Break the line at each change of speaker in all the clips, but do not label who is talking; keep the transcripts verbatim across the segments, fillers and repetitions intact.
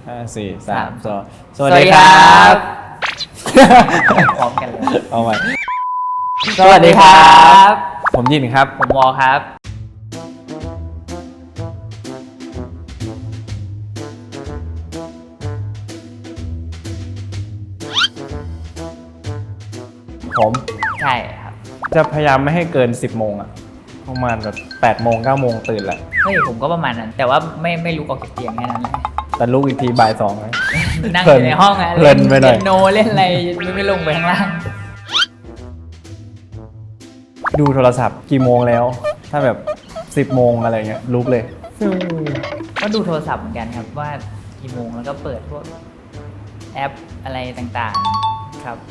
ห้าสี่สามสองส
ส
วั
วั
ส
ส
ดี
ดี
ค
ค
รั
รั
บบ
พร้อมกันเลย
เอาใหม่
สวัสดีครับ
ผมยินครับ
ผมวอครับ
ผม
ใช่ครับ
จะพยายามไม่ให้เกิน สิบโมงอะประมาณแบบแปดโมงเก้าโมงตื่นแหละ
เฮ้ยผมก็ประมาณนั้น แต่ว่าไม่ไม่ลุกออกจากเตียงแค่นั้นเลย
แต่ลุกอีกทีบ่ายสองเลย
นั่งอยู่ในห้องอะ
เพลินไปหน่อย
เล่นโนเล่นอะไรไม่ไม่ลงไปข้างล่าง
ดูโทรศัพท์กี่โมงแล้ว ถ้าแบบ สิบโมงอะไรเงี้ยลุกเลย
ก็ดูโทรศัพท์เหมือนกันครับว่ากี่โมงแล้วก็เปิดพวกแอปอะไรต่างๆครับ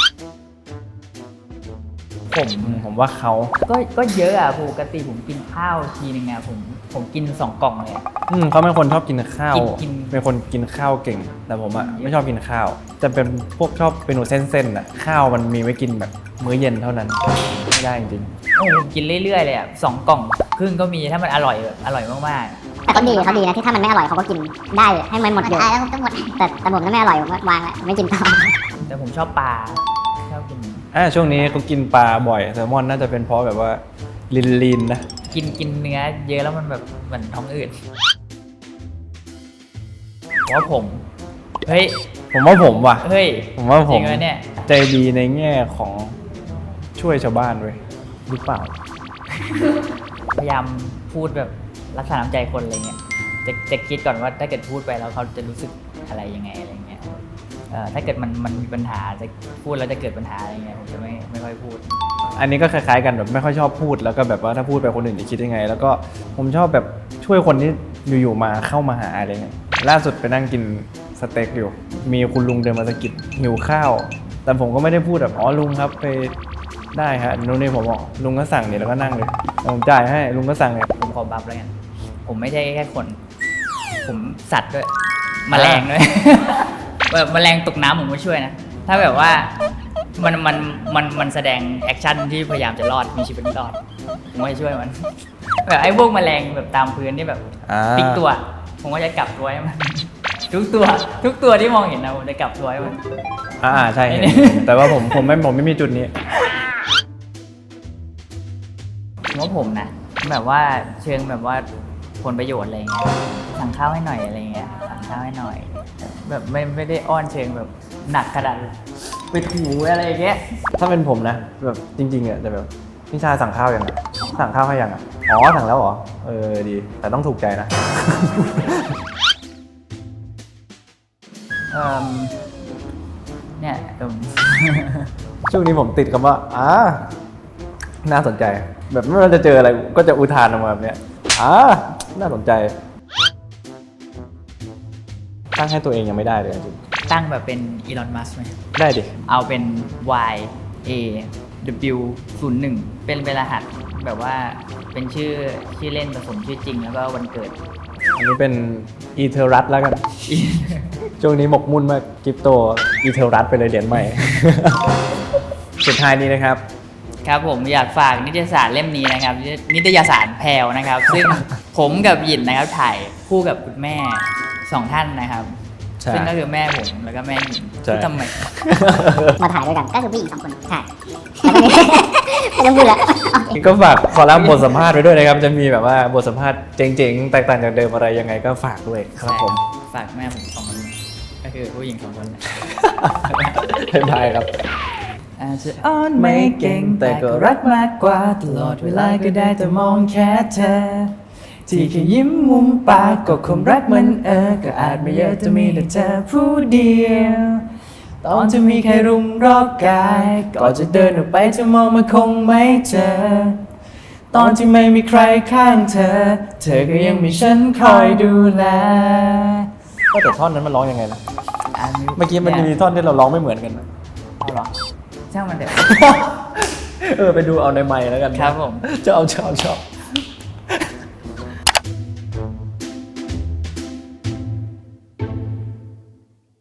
ผม
ผมว่าเขา
ก็ก็เยอะอ่ะปกติผมกินข้าวทีนึงอ่ะผมผมกินสองกล่องเลยอะ
อืมเขาเป็นคนชอบกินข้าว
กินกิน
เป็นคนกินข้าวเก่ง แต่ผมอะไม่ชอบกินข้าว จะเป็นพวกชอบเมนูเส้นๆอะข้าวมันมีไว้กินแบบมื้อเย็นเท่านั้น ไม่ได้จริง
โอ้ผมกินเรื่อยๆเลยอ่ะสองกล่องครึ่งก็มีถ้ามันอร่อยแบบอร่อยมาก
แต่เขาดีเขาดีนะที่ถ้ามันไม่อร่อยเขาก็กินได้ให้มันหมดอยู่แล้วต้องหมดแต่แต่ผมถ้าไม่อร่อยผมก็วางแล้วไม่กินต่อ
ๆแต่ผมชอบปลาชอบกิน
อ่าช่วงนี้เขากินปลาบ่อยแซลมอนน่าจะเป็นเพราะแบบว่าลินลินๆนะ
กินกินเนื้อเยอะแล้วมันแบบเหมือนท้องอืดผมว่าผมเฮ้ย
ผมว่าผมว่ะ
เฮ้ย
ผมว่าผ
จริ
ม
งไหมเนี่ย
ใจดีในแง่ของช่วยชาวบ้านเว้ยหรือเปล่า
พยายามพูดแบบรักษาน้ำใจคนอะไรเงี้ยจะจะคิดก่อนว่าถ้าเกิดพูดไปแล้วเขาจะรู้สึกอะไรยังไงอะไรเงี้ยเอ่อถ้าเกิดมันมันมีปัญหาจะพูดแล้วจะเกิดปัญหาอะไรเงี้ยผมจะไม่ไม่ค่อยพูด
อันนี้ก็คล้ายๆกันแบบไม่ค่อยชอบพูดแล้วก็แบบว่าถ้าพูดไปคนอื่นจะคิดยังไง แล้วก็ผมชอบแบบช่วยคนที่อยู่ๆมาเข้ามาหาอะไรเงี้ยล่าสุดไปนั่งกินสเต็กอยู่ มีคุณลุงเดินมาสะกิดหิวข้าว แต่ผมก็ไม่ได้พูดแบบอ๋อลุงครับไปได้ฮะนู่นนี่ผมบอกลุงก็สั่งเนี่ยแล้วก็นั่งเลยผมจ่ายให้ลุงก็สั่งเนี่ย
ผมขอบัฟแล้วกันผมไม่ใช่แค่คน ผมสัตว์ด้วย แมลงด้วย แบบแมลงตกน้ำผมก็ช่วยนะ ถ้าแบบว่ามันมันมันมันแสดงแอคชั่นที่พยายามจะรอดมีชีวิตรอด ผมก็จะช่วยมัน แบบไอ้พวกแมลงแบบตามพื้นที่แบบ
อ่า
พลิกตัว ผมก็จะกลับตัวให้มัน ทุกตัว ทุกตัวที่มองเห็นนะผมจะกลับตัวให้มัน
อ่าใช่
ไอ้
เห็น
นี่
แต่ว่าผมผมไม่ผมไม่มีจุดนี้
ผมว่าผมนะแบบว่าเชิงแบบว่าผลประโยชน์อะไรเงี้ยสั่งข้าวให้หน่อยอะไรเงี้ยสั่งข้าวให้หน่อย แบบไม่ไม่ได้อ้อนเชิงแบบหนักขนาดไปถูอะไรอย่างเงี้ย
ถ้าเป็นผมนะแบบจริงๆอ่ะแต่แบบพี่ชายสั่งข้าวยังอ่ะสั่งข้าวให้ยังอ่ะอ๋อสั่งแล้วเหรอเออดี แต่ต้องถูกใจนะ
เออเนี่ยเอิ่ม
ช่วงนี้ผมติดคำว่าอ่าน่าสนใจ แบบไม่ว่าจะเจออะไรก็จะอุทานออกมาแบบเนี้ยอ่าน่าสนใจ ตั้งให้ตัวเองยังไม่ได้เลยจริง
ตั้งแบบเป็นอีลอนมัสไหม
ได้ดิ
เอาเป็น Y A W ศูนย์หนึ่งเป็นเป็นรหัสแบบว่าเป็นชื่อชื่อเล่นผสมชื่อจริงแล้วก็วันเกิด
อันนี้เป็นอีเทอรัสแล้วกัน ช่วงนี้หมกมุ่นมากคริปโตอีเทอรัสไปเลยเหรียญใหม่ สุดท้ายนี้นะครับ
ครับผมอยากฝากนิตยสารเล่มนี้นะครับ นิตยสารแพรวนะครับ ซึ่งผมกับหยินนะครับถ่ายคู่กับคุณแม่สองท่านนะครับ
ใช่
ซึ่งก็คือแม่ผมแล้วก็แม่หยิน
ใช่
ที่ทำไม
มาถ่ายด้วยกันก็คือผู้หญิงสองคนใช่ไม่ต้องพูดแล้ว
นี่ก็ฝากคอลัมน์บทสัมภาษณ์ไว้ด้วยนะครับ จะมีแบบว่าบทสัมภาษณ์เจ๋งๆ แตกต่างจากเดิมอะไรยังไงก็ฝากด้วยครับผม
ฝากแม่ผมสองคนก็คือผู้หญิงสองคนนะ
บ๊ายบายครับ
อาจจะอ้อนไม่เก่งแต่ก็รักมากกว่าตลอดเวลาก็ได้แต่มองแค่เธอ ที่แค่ยิ้มมุมปากก็คงรักมันเออก็อาจไม่เยอะจะมีแต่เธอผู้เดียว ตอนจะมีใครรุมรอบกายก็จะเดินออกไปจะมองมันคงไม่เจอ ตอนที่ไม่มีใครข้างเธอ เธอก็ยังมีฉันคอยดูแล
ก็แต่ท่อนนั้นมันร้องยังไงนะ
อ่ะ
เมื่อกี้มันมีท่อนที่เราร้องไม่เหมือนกันนะ
เอาเหรอช่างมันเถอะ
เออไปดูเอาในไมค์แล้วกันนะครับ
ผม
ชอบชอบชอบ